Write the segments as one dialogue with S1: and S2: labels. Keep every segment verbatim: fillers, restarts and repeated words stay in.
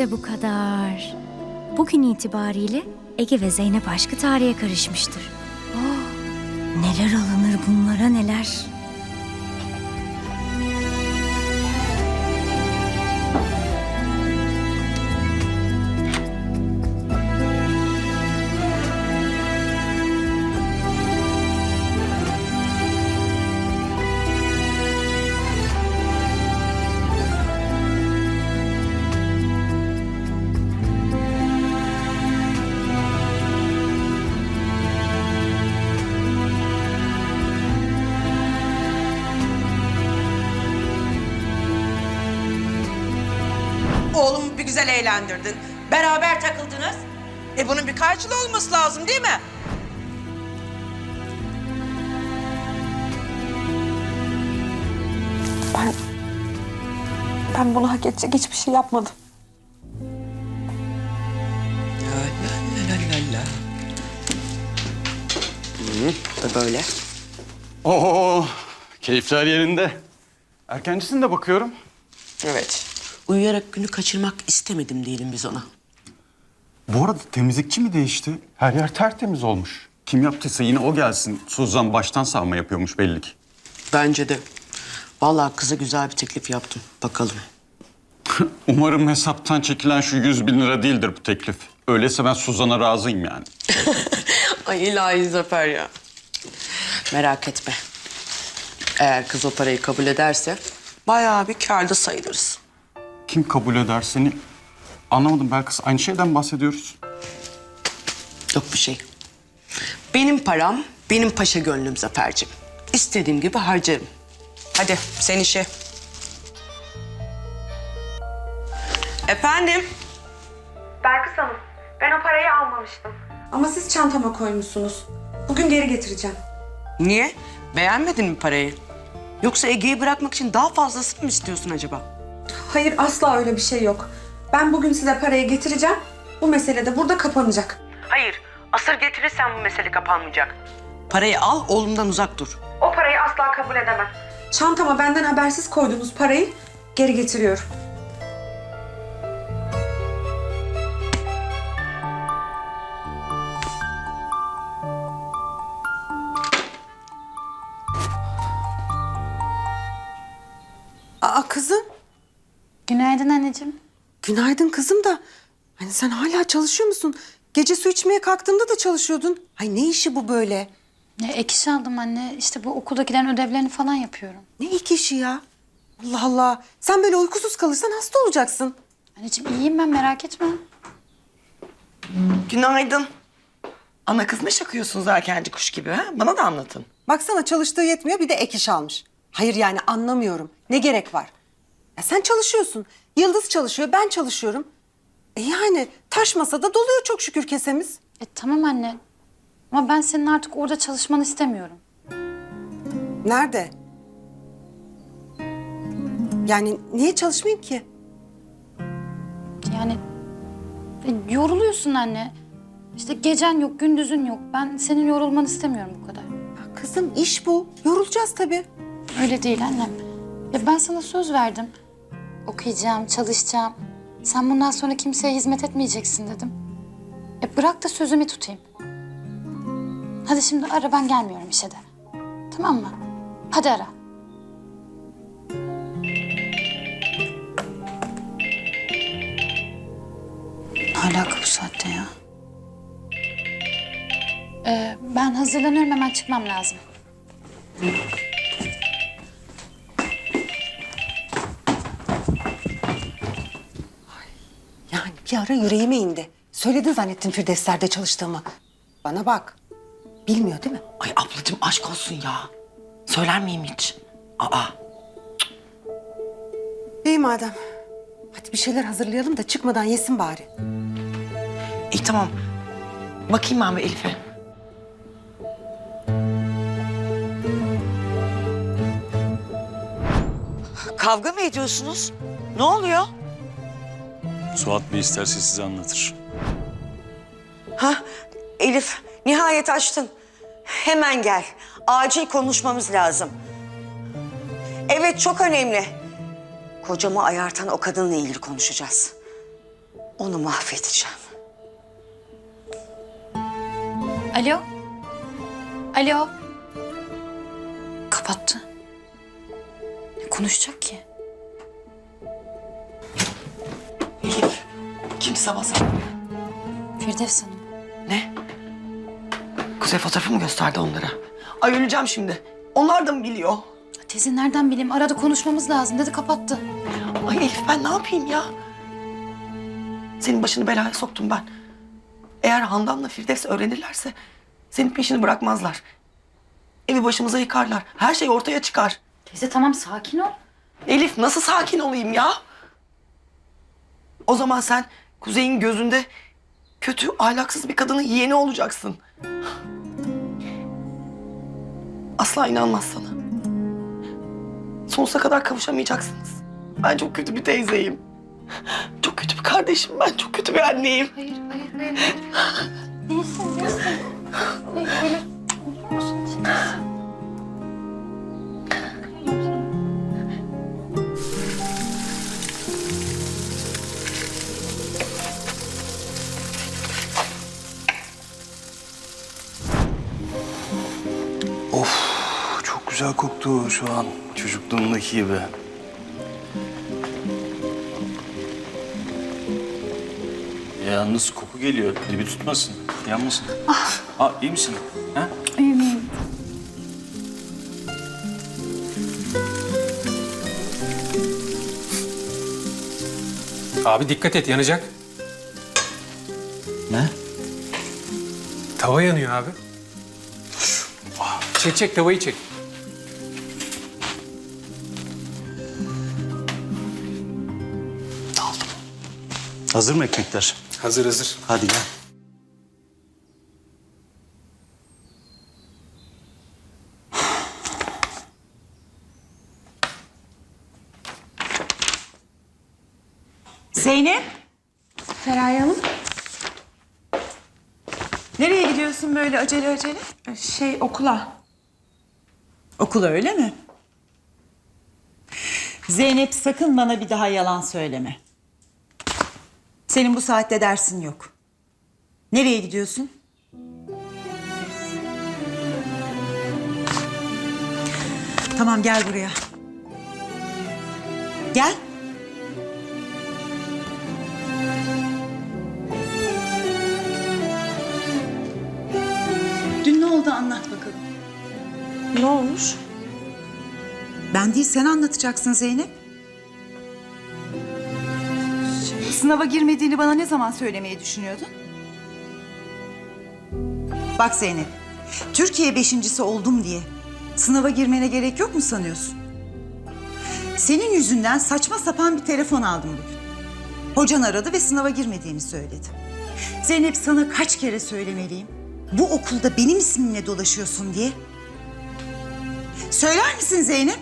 S1: İşte bu kadar. Bugün itibariyle Ege ve Zeynep aşkı tarihe karışmıştır. Oh, neler alınır bunlara neler.
S2: Oğlumu bir güzel eğlendirdin. Beraber takıldınız. E bunun bir karşılığı olması lazım değil mi?
S3: Ben... Ben bunu hak edecek hiçbir şey yapmadım.
S4: La la la la la. Hı, da böyle.
S5: Oo, keyifler yerinde. Erkencisin de bakıyorum.
S4: Evet. Uyuyarak günü kaçırmak istemedim diyelim biz ona.
S5: Bu arada temizlikçi mi değişti? Her yer tertemiz olmuş. Kim yaptıysa yine o gelsin. Suzan baştan savma yapıyormuş belli ki.
S4: Bence de. Vallahi kıza güzel bir teklif yaptım. Bakalım.
S5: Umarım hesaptan çekilen şu yüz bin lira değildir bu teklif. Öyleyse ben Suzan'a razıyım yani.
S4: Ay ilahi Zafer ya. Merak etme. Eğer kız o parayı kabul ederse bayağı bir kârda sayılırız.
S5: Kim kabul eder seni? Anlamadım Belkıs. Aynı şeyden bahsediyoruz.
S4: Yok bir şey. Benim param, benim paşa gönlüm Zafer'cim. İstediğim gibi harcarım. Hadi sen işe. Efendim?
S3: Belkıs Hanım, ben o parayı almamıştım. Ama siz çantama koymuşsunuz. Bugün geri getireceğim.
S4: Niye? Beğenmedin mi parayı? Yoksa Ege'yi bırakmak için daha fazlasını mı istiyorsun acaba?
S3: Hayır, asla öyle bir şey yok. Ben bugün size parayı getireceğim. Bu mesele de burada kapanacak.
S4: Hayır. Asır getirirsen bu mesele kapanmayacak. Parayı al, oğlumdan uzak dur.
S3: O parayı asla kabul edemem. Çantama benden habersiz koyduğunuz parayı geri getiriyorum. Aa kızım.
S6: Günaydın anneciğim.
S3: Günaydın kızım da. Hani sen hala çalışıyor musun? Gece su içmeye kalktığımda da çalışıyordun. Ay ne işi bu böyle?
S6: Ya, ek iş aldım anne. İşte bu okuldakilerin ödevlerini falan yapıyorum.
S3: Ne ilk işi ya? Allah Allah. Sen böyle uykusuz kalırsan hasta olacaksın.
S6: Anneciğim iyiyim ben, merak etme.
S7: Günaydın. Ana kız ne şakıyorsunuz erkenci kuş gibi ha? Bana da anlatın.
S3: Baksana çalıştığı yetmiyor bir de ek iş almış. Hayır yani anlamıyorum. Ne gerek var? Ya sen çalışıyorsun. Yıldız çalışıyor, ben çalışıyorum. E yani taş masada doluyor çok şükür kesemiz.
S6: E tamam anne. Ama ben senin artık orada çalışmanı istemiyorum.
S3: Nerede? Yani niye çalışmayayım ki?
S6: Yani e, yoruluyorsun anne. İşte gecen yok, gündüzün yok. Ben senin yorulmanı istemiyorum bu kadar.
S3: Ya kızım iş bu. Yorulacağız tabii.
S6: Öyle değil annem. Ya ben sana söz verdim. Okuyacağım, çalışacağım. Sen bundan sonra kimseye hizmet etmeyeceksin dedim. E bırak da sözümü tutayım. Hadi şimdi ara, ben gelmiyorum işe de. Tamam mı? Hadi ara. Ne alaka bu saatte ya? Ee, ben hazırlanıyorum, hemen çıkmam lazım.
S3: Yani bir ara yüreğime indi. Söyledin zannettin Firdevsler'de çalıştığımı. Bana bak. Bilmiyor değil mi?
S7: Ay ablacığım aşk olsun ya. Söyler miyim hiç? Aa.
S3: İyi madem. Hadi bir şeyler hazırlayalım da çıkmadan yesin bari.
S7: İyi tamam. Bakayım ben bir Elif'e. Kavga mı ediyorsunuz? Ne oluyor?
S8: Suat Bey isterse size anlatır.
S9: Ha, Elif, nihayet açtın. Hemen gel. Acil konuşmamız lazım. Evet, çok önemli. Kocamı ayartan o kadınla ilgili konuşacağız. Onu mahvedeceğim.
S6: Alo? Alo? Kapattı. Ne konuşacak ki?
S7: Elif, kim sabah sabah?
S6: Firdevs Hanım.
S7: Ne? Kuzey fotoğrafı mı gösterdi onlara? Ay öleceğim şimdi. Onlar da mı biliyor?
S6: Teyze nereden bileyim? Arada konuşmamız lazım dedi, kapattı.
S7: Ay Elif ben ne yapayım ya? Senin başını belaya soktum ben. Eğer Handan'la Firdevs öğrenirlerse senin peşini bırakmazlar. Evi başımıza yıkarlar. Her şey ortaya çıkar.
S6: Teyze tamam, sakin ol.
S7: Elif nasıl sakin olayım ya? O zaman sen Kuzey'in gözünde kötü, ahlaksız bir kadının yeğeni olacaksın. Asla inanmaz sana. Sonsuza kadar kavuşamayacaksınız. Ben çok kötü bir teyzeyim. Çok kötü bir kardeşim ben. Çok kötü bir anneyim.
S6: Hayır, hayır, hayır. Değilsin, değilsin. Hayır, hayır.
S10: Çok güzel koktu şu an. Çocukluğumdaki gibi.
S8: Yalnız koku geliyor. Dibi tutmasın. Yanmasın. Ah. Aa, iyi misin? Ha?
S6: İyiyim, iyiyim.
S11: Abi dikkat et, yanacak.
S10: Ne?
S11: Tava yanıyor abi. Çek çek, tavayı çek.
S10: Hazır mı ekmekler?
S11: Hazır hazır.
S10: Hadi gel.
S2: Zeynep.
S1: Feraye Hanım.
S2: Nereye gidiyorsun böyle acele acele? Şey okula. Okula öyle mi?
S12: Zeynep sakın bana bir daha yalan söyleme. Senin bu saatte dersin yok. Nereye gidiyorsun? Tamam gel buraya. Gel. Dün ne oldu anlat bakalım.
S2: Ne olmuş?
S12: Ben değil sen anlatacaksın Zeynep. Sınava girmediğini bana ne zaman söylemeyi düşünüyordun? Bak Zeynep, Türkiye beşincisi oldum diye sınava girmene gerek yok mu sanıyorsun? Senin yüzünden saçma sapan bir telefon aldım bugün. Hocan aradı ve sınava girmediğimi söyledi. Zeynep sana kaç kere söylemeliyim? Bu okulda benim ismimle dolaşıyorsun diye. Söyler misin Zeynep?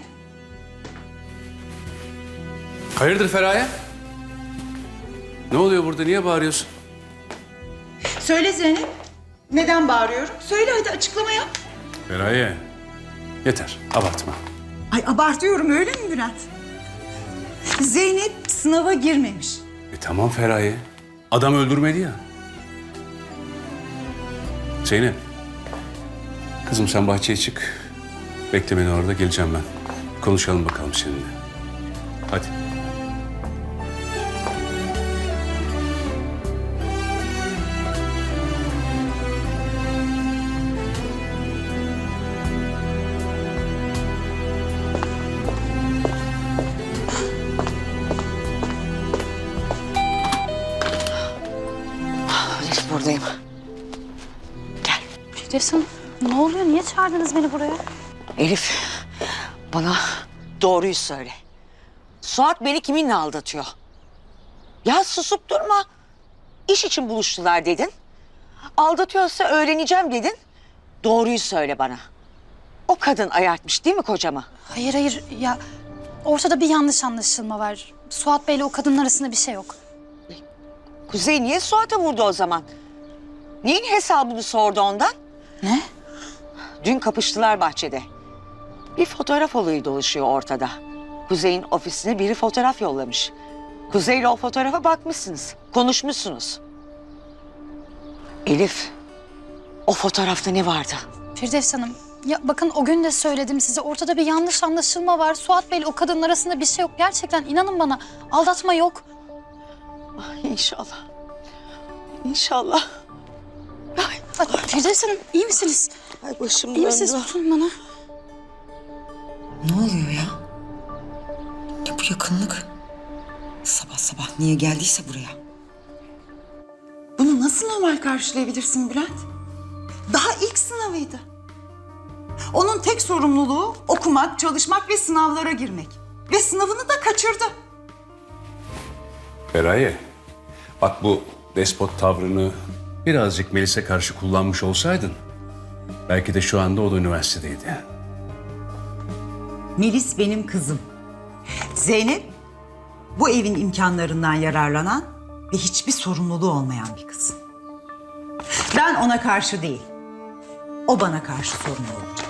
S11: Hayırdır Feraye? Ne oluyor burada? Niye bağırıyorsun?
S12: Söyle Zeynep. Neden bağırıyorum? Söyle hadi açıklama yap.
S11: Feraye, yeter. Abartma.
S12: Ay abartıyorum öyle mi Bülent? Zeynep sınava girmemiş.
S11: E tamam Feraye. Adam öldürmedi ya. Zeynep. Kızım sen bahçeye çık. Bekle beni orada, geleceğim ben. Konuşalım bakalım seninle. Hadi.
S9: Elif buradayım. Gel.
S6: Firdevs Hanım, ne oluyor? Niye çağırdınız beni buraya?
S9: Elif bana doğruyu söyle. Suat beni kiminle aldatıyor? Ya susup durma. İş için buluştular dedin. Aldatıyorsa öğreneceğim dedin. Doğruyu söyle bana. O kadın ayartmış değil mi kocamı?
S6: Hayır hayır ya, ortada bir yanlış anlaşılma var. Suat Bey'le o kadının arasında bir şey yok.
S9: Kuzey niye Suat'a vurdu o zaman? Neyin hesabını sordu ondan?
S6: Ne?
S9: Dün kapıştılar bahçede. Bir fotoğraf olayı dolaşıyor ortada. Kuzey'in ofisine biri fotoğraf yollamış. Kuzey'le o fotoğrafa bakmışsınız, konuşmuşsunuz. Elif, o fotoğrafta ne vardı?
S6: Firdevs Hanım, ya bakın o gün de söyledim size. Ortada bir yanlış anlaşılma var. Suat Bey'le o kadının arasında bir şey yok. Gerçekten inanın bana, aldatma yok.
S9: Ay, İnşallah. İnşallah.
S6: Ay, Firdevs Hanım, iyi misiniz?
S9: Ay başım
S6: İyi misiniz?
S9: döndü.
S6: Tutun bana.
S13: Ne oluyor ya? Ya bu yakınlık. Sabah sabah niye geldiyse buraya.
S12: Bunu nasıl normal karşılayabilirsin Bülent? Daha ilk sınavıydı. Onun tek sorumluluğu okumak, çalışmak ve sınavlara girmek. Ve sınavını da kaçırdı.
S11: Feraye, bak bu despot tavrını birazcık Melis'e karşı kullanmış olsaydın... belki de şu anda o da üniversitedeydi.
S12: Melis benim kızım. Zeynep bu evin imkanlarından yararlanan ve hiçbir sorumluluğu olmayan bir kız. Ben ona karşı değil, o bana karşı sorumlu olacak.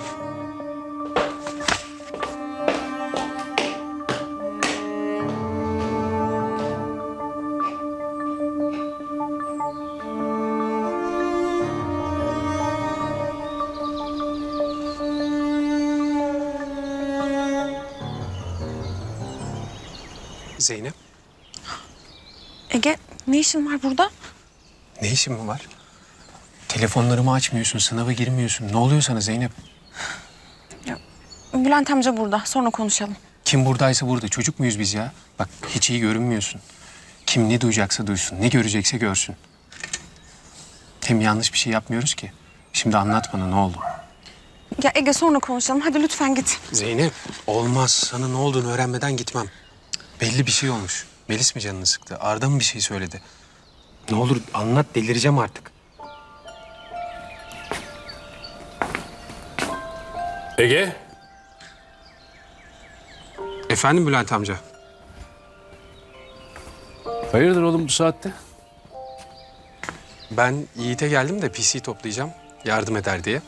S14: Zeynep,
S4: Ege, ne işin var burada?
S14: ne işin mi var? Telefonlarımı açmıyorsun, sınava girmiyorsun. Ne oluyor sana Zeynep?
S4: Bülent amca burada, sonra konuşalım.
S14: Kim buradaysa burada. Çocuk muyuz biz ya? Bak hiç iyi görünmüyorsun. Kim ne duyacaksa duysun, ne görecekse görsün. Hem yanlış bir şey yapmıyoruz ki. Şimdi anlat bana ne oldu?
S4: Ya Ege, sonra konuşalım. Hadi lütfen git.
S14: Zeynep, olmaz. Sana ne olduğunu öğrenmeden gitmem. Belli bir şey olmuş. Melis mi canını sıktı? Arda mı bir şey söyledi? Ne olur anlat, delireceğim artık.
S11: Ege?
S14: Efendim Bülent amca?
S11: Hayırdır oğlum bu saatte?
S14: Ben Yiğit'e geldim de P C toplayacağım. Yardım eder diye.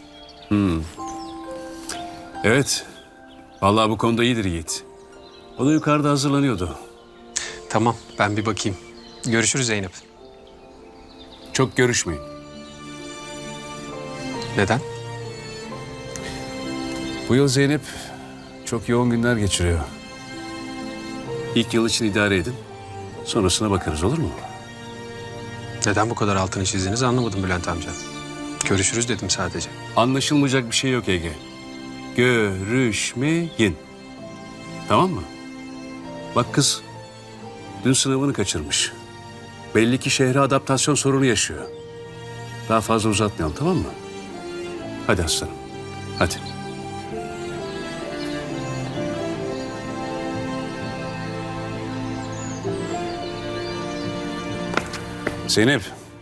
S11: Evet. Vallahi bu konuda iyidir Yiğit. O da yukarıda hazırlanıyordu.
S14: Tamam, ben bir bakayım. Görüşürüz Zeynep.
S11: Çok görüşmeyin.
S14: Neden?
S11: Bu yıl Zeynep çok yoğun günler geçiriyor. İlk yıl için idare edin. Sonrasına bakarız, olur mu?
S14: Neden bu kadar altını çizdiniz anlamadım Bülent amca. Görüşürüz dedim sadece.
S11: Anlaşılmayacak bir şey yok Ege. Görüşmeyin. Tamam mı? Bak kız dün sınavını kaçırmış. Belli ki şehre adaptasyon sorunu yaşıyor. Daha fazla uzatmayalım, tamam mı? Hadi aslanım. Hadi. Zeynep.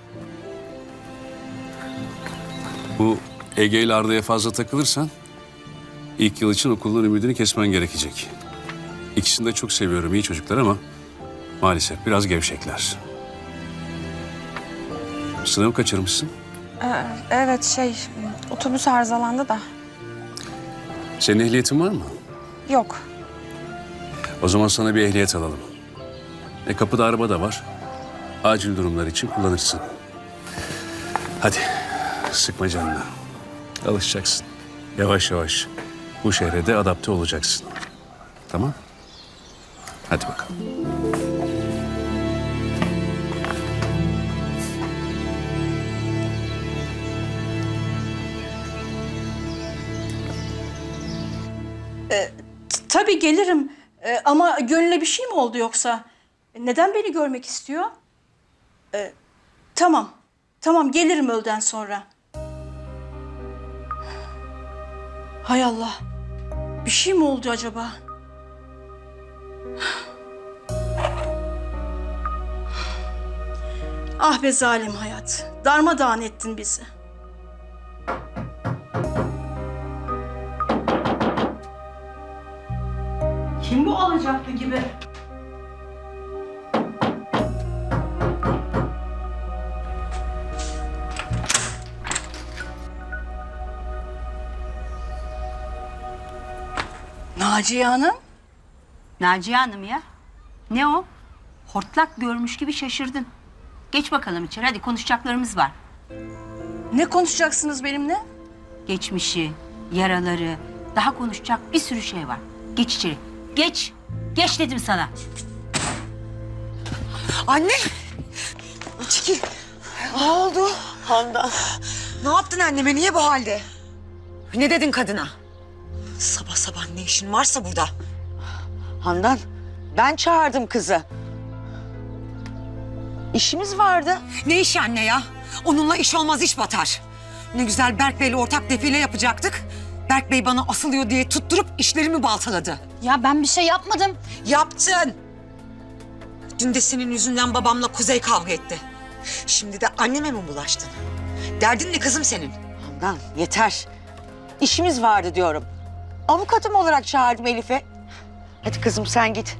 S11: Bu Ege ile Arda'ya fazla takılırsan ilk yıl için okulun ümidini kesmen gerekecek. İkisini de çok seviyorum, iyi çocuklar ama maalesef biraz gevşekler. Sınavı kaçırmışsın.
S4: Ee, evet, şey, otobüs arızalandı da.
S11: Senin ehliyetin var mı?
S4: Yok.
S11: O zaman sana bir ehliyet alalım. E kapıda araba da var. Acil durumlar için kullanırsın. Hadi sıkma canını. Alışacaksın. Yavaş yavaş bu şehre de adapte olacaksın. Tamam? Hadi bakalım.
S15: Tabii gelirim. Ee, ama Gönül'e bir şey mi oldu yoksa? Neden beni görmek istiyor? Ee, tamam. Tamam gelirim öğleden sonra. Hay Allah. Bir şey mi oldu acaba? Ah be zalim hayat. Darmadağın ettin bizi. Kim bu alacaklı gibi? Naciye Hanım.
S1: Naciye Hanım ya. Ne o?
S16: Hortlak görmüş gibi şaşırdın. Geç bakalım içeri, hadi konuşacaklarımız var.
S15: Ne konuşacaksınız benimle?
S16: Geçmişi, yaraları, daha konuşacak bir sürü şey var. Geç içeri, geç. Geç dedim sana.
S13: Anne! Çekil. Ne oldu?
S9: Handan.
S13: Ne yaptın anneme? Niye bu halde? Ne dedin kadına? Sabah sabah ne işin varsa burada.
S9: Handan, ben çağırdım kızı. İşimiz vardı.
S13: Ne işi anne ya? Onunla iş olmaz, iş batar. Ne güzel Berk Bey'le ortak defile yapacaktık. Berk Bey bana asılıyor diye tutturup işlerimi baltaladı.
S6: Ya ben bir şey yapmadım.
S13: Yaptın. Dün de senin yüzünden babamla Kuzey kavga etti. Şimdi de anneme mi bulaştın? Derdin ne kızım senin?
S9: Handan yeter. İşimiz vardı diyorum. Avukatım olarak çağırdım Elif'i. Hadi kızım sen git.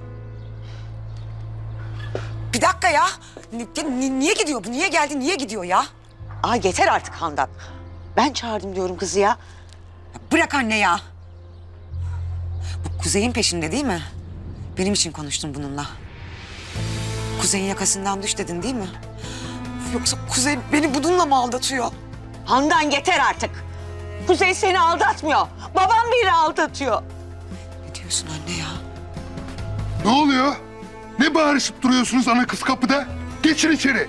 S13: Bir dakika ya. Ni- ni- niye gidiyor bu? Niye geldi? Niye gidiyor ya?
S9: Aa yeter artık Handan. Ben çağırdım diyorum kızı ya.
S13: Bırak anne ya. Bu Kuzey'in peşinde değil mi? Benim için konuştun bununla. Kuzey'in yakasından düş dedin değil mi? Yoksa Kuzey beni bununla mı aldatıyor?
S9: Handan yeter artık. Kuzey seni aldatmıyor. Babam beni aldatıyor.
S13: Ne diyorsun anne ya?
S17: Ne oluyor? Ne bağırışıp duruyorsunuz ana kız kapıda? Geçin içeri.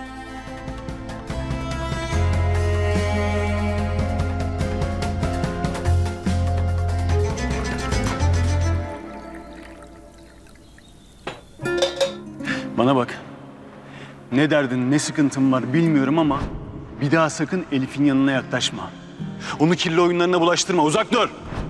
S8: Bana bak. Ne derdin, ne sıkıntın var bilmiyorum ama bir daha sakın Elif'in yanına yaklaşma. Onu kirli oyunlarına bulaştırma, uzak dur.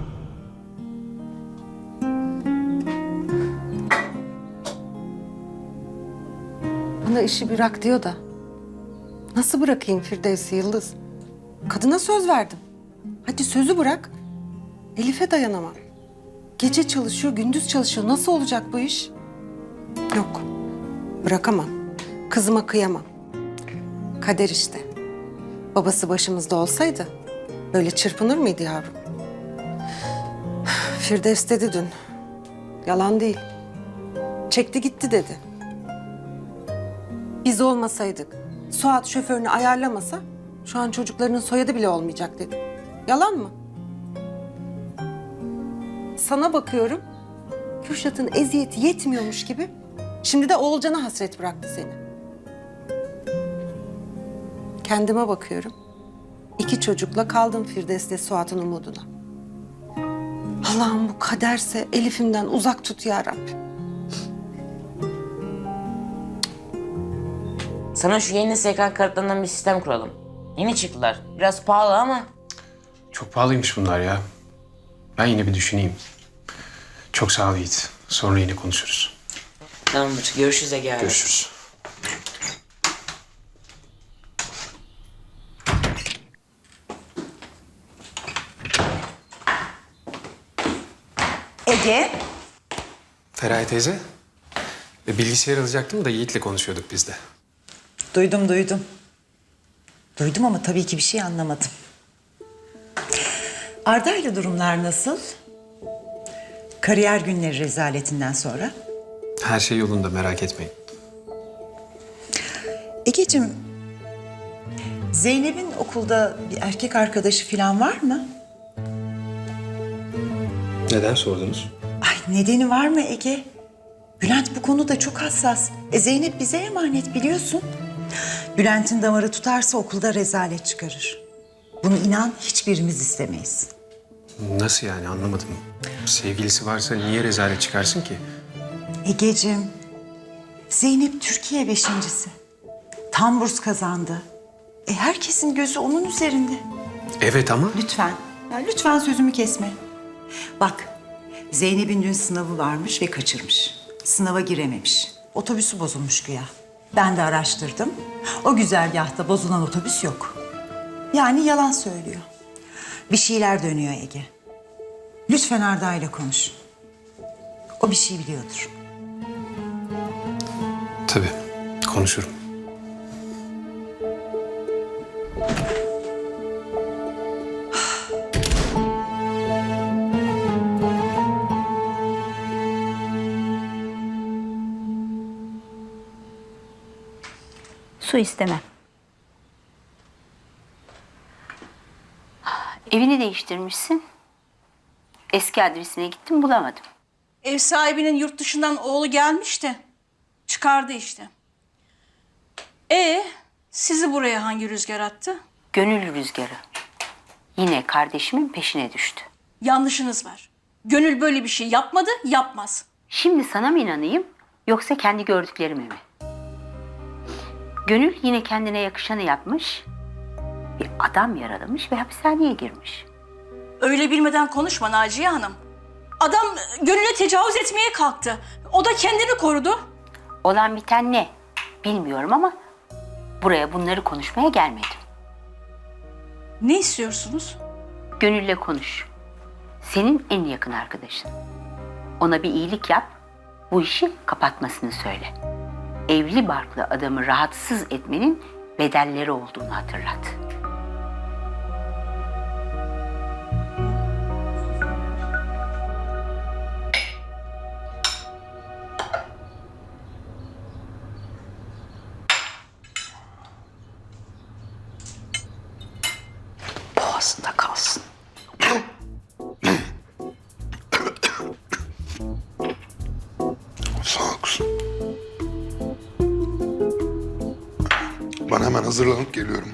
S3: Bana işi bırak diyor da. Nasıl bırakayım Firdevs'i Yıldız? Kadına söz verdim. Hadi sözü bırak. Elif'e dayanamam. Gece çalışıyor, gündüz çalışıyor. Nasıl olacak bu iş? Yok. Bırakamam. Kızıma kıyamam. Kader işte. Babası başımızda olsaydı böyle çırpınır mıydı yavrum? Firdevs dedi dün. Yalan değil. Çekti gitti dedi. Biz olmasaydık, Suat şoförünü ayarlamasa şu an çocuklarının soyadı bile olmayacak dedi. Yalan mı? Sana bakıyorum, Kürşat'ın eziyeti yetmiyormuş gibi şimdi de Oğulcan'a hasret bıraktı seni. Kendime bakıyorum. İki çocukla kaldım Firdevs'le Suat'ın umuduna. Allah'ım bu kaderse Elif'imden uzak tut ya Rabbim.
S18: Sana şu yeni S K kartlarından bir sistem kuralım. Yeni çıktılar. Biraz pahalı ama.
S14: Çok pahalıymış bunlar ya. Ben yine bir düşüneyim. Çok sağ ol Yiğit. Sonra yine konuşuruz.
S18: Tamamdır. Görüşürüz Ege abi.
S14: Görüşürüz.
S12: Ege.
S14: Feraye teyze. E, bilgisayar alacaktım da Yiğit'le konuşuyorduk biz de.
S12: Duydum duydum. Duydum ama tabii ki bir şey anlamadım. Arda ile durumlar nasıl? Kariyer günleri rezaletinden sonra.
S14: Her şey yolunda, merak etmeyin.
S12: Egeciğim, Zeynep'in okulda bir erkek arkadaşı falan var mı?
S14: Neden sordunuz?
S12: Ay nedeni var mı Ege? Bülent bu konuda çok hassas. E Zeynep bize emanet biliyorsun. Bülent'in damarı tutarsa okulda rezalet çıkarır. Bunu inan hiçbirimiz istemeyiz.
S14: Nasıl yani, anlamadım. Sevgilisi varsa niye rezalet çıkarsın ki?
S12: Egeciğim, Zeynep Türkiye beşincisi. Tam burs kazandı. E herkesin gözü onun üzerinde.
S14: Evet ama...
S12: Lütfen, ya lütfen sözümü kesme. Bak, Zeynep'in dün sınavı varmış ve kaçırmış. Sınava girememiş. Otobüsü bozulmuş güya. Ben de araştırdım. O güzergahta bozulan otobüs yok. Yani yalan söylüyor. Bir şeyler dönüyor Ege. Lütfen Arda ile konuş. O bir şey biliyordur.
S14: Tabii, konuşurum.
S16: su istemem. Evini değiştirmişsin. Eski adresine gittim bulamadım.
S15: Ev sahibinin yurt dışından oğlu gelmişti. Çıkardı işte. E sizi buraya hangi rüzgar attı?
S16: Gönül rüzgarı. Yine kardeşimin peşine düştü.
S15: Yanlışınız var. Gönül böyle bir şey yapmadı, yapmaz.
S16: Şimdi sana mı inanayım yoksa kendi gördüklerime mi? Gönül yine kendine yakışanı yapmış. Bir adam yaralamış ve hapishaneye girmiş.
S15: Öyle bilmeden konuşma Naciye Hanım. Adam Gönül'e tecavüz etmeye kalktı. O da kendini korudu.
S16: Olan biten ne? Bilmiyorum ama buraya bunları konuşmaya gelmedim.
S15: Ne istiyorsunuz?
S16: Gönül'le konuş. Senin en yakın arkadaşın. Ona bir iyilik yap, bu işi kapatmasını söyle. Evli barklı adamı rahatsız etmenin bedelleri olduğunu hatırlat.
S9: Boğazında kalsın.
S17: Sağ ol kuzum. Ben hemen hazırlanıp geliyorum.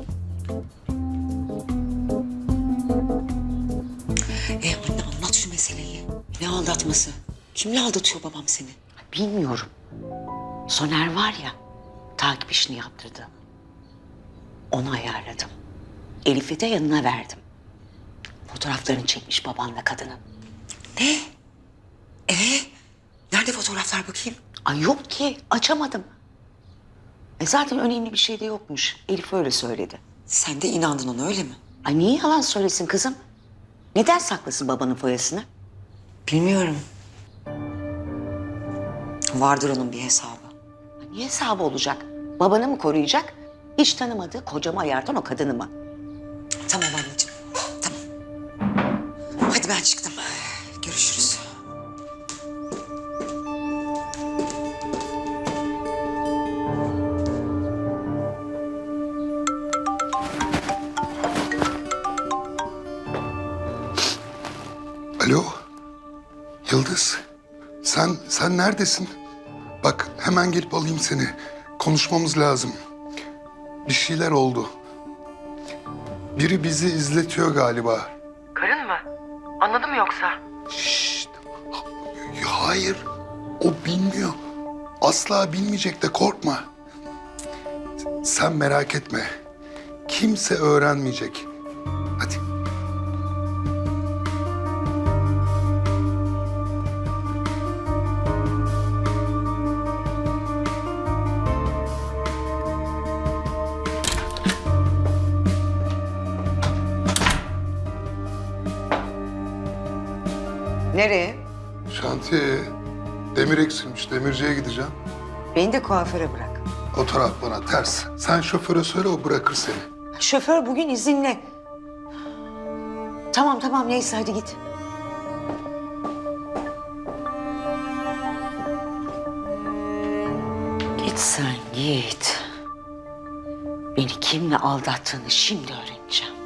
S9: E anne anlat şu meseleyi. Ne aldatması? Kimle aldatıyor babam seni? Bilmiyorum. Soner var ya, takip işini yaptırdı. Onu ayarladım. Elif'i de yanına verdim. Fotoğraflarını çekmiş babanla kadının. Ne? Ee, nerede fotoğraflar bakayım? Ay yok ki, açamadım. E zaten önemli bir şey de yokmuş. Elif öyle söyledi. Sen de inandın ona öyle mi? Ay niye yalan söylesin kızım? Neden saklasın babanın foyasını? Bilmiyorum. Vardır onun bir hesabı. Ne hesabı olacak? Babanı mı koruyacak? Hiç tanımadığı kocama ayartan o kadını mı? Tamam anneciğim, tamam. Hadi ben çıktım. Görüşürüz.
S17: Alo, Yıldız. Sen, sen neredesin? Bak hemen gelip alayım seni. Konuşmamız lazım. Bir şeyler oldu. Biri bizi izletiyor galiba.
S7: Karın mı? Anladın mı yoksa?
S17: Şşt. Hayır, o bilmiyor. Asla bilmeyecek de korkma. Sen merak etme. Kimse öğrenmeyecek. Hadi.
S9: Nereye?
S17: Şantiyeye. Demir eksilmiş. Demirciye gideceğim.
S9: Beni de kuaföre bırak.
S17: O taraf bana ters. Sen şoföre söyle, o bırakır seni.
S9: Şoför bugün izinli. Tamam tamam neyse hadi git. Git sen git. Beni kimle aldattığını şimdi öğreneceğim.